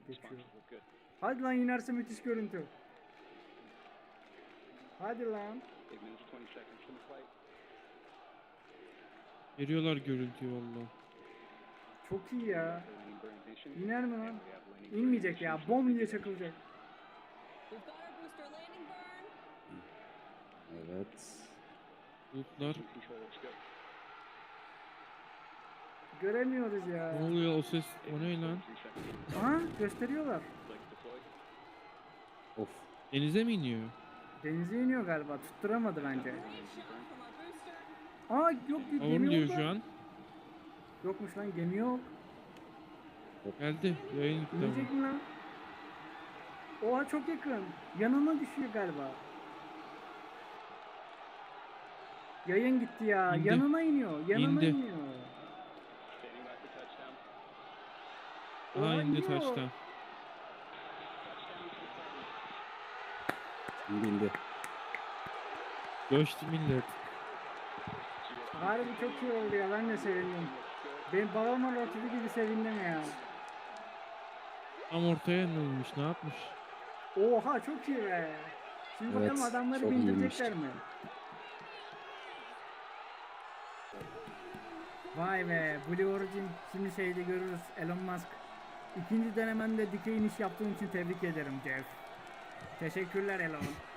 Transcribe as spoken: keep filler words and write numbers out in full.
geçiyor. Hadi lan inerse müthiş görüntü. Hadi lan. Veriyorlar görüntüyü valla. Çok iyi ya. İner mi lan? İnmeyecek ya. Bom diye çakılacak. Evet. Bulutlar. Göremiyoruz ya. Ne oluyor o ses? O ne lan? Aha gösteriyorlar. Of. Denize mi iniyor? Denize iniyor galiba. Tutturamadı bence. Aa yok bir gemi Avun diyor yok şu lan. an. Yokmuş lan gemi yok. Geldi. Yayın gitti İnecek ama. mi lan? Oha çok yakın. Yanına düşüyor galiba. Yayın gitti ya. İndi. Yanına iniyor. Yanına İndi. iniyor. Aha Oha, indi iniyor. taştan. İndi indi. Göçtü millet. Harbi çok iyi oldu ya. Ben de sevindim. Ben balonlar ortada gibi sevindim ya. Tam ortaya inilmiş. Ne yapmış? Oha çok iyi be. Şimdi Evet, bakalım adamları çok bindirecekler mi? Vay be, Blue Origin şimdi şeyde görürüz. Elon Musk. İkinci denemende dikey iniş yaptığın için tebrik ederim Jeff. Teşekkürler Elon.